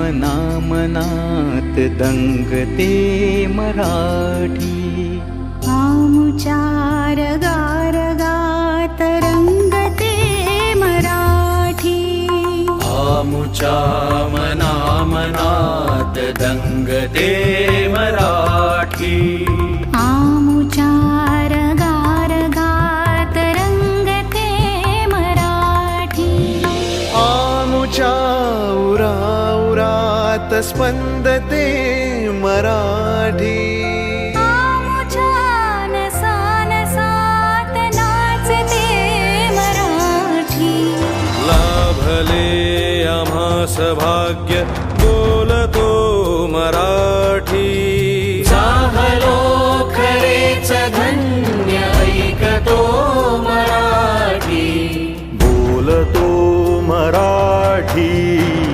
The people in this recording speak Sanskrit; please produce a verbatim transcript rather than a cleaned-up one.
मना मनात दंगते मराठी। आमुचार गार गात रंगते मराठी। आमुचा मना मनात दंगते मराठी। आमुचार गार गात रंगते मराठी। आमुचा उरा उरात स्पंदते मराठी। आमुच्या नसा नसात नाचते मराठी। लाभले आम्हास भाग्य बोलतो मराठी। झालो खरेच धन्य ऐकतो मराठी। बोलतो मराठी।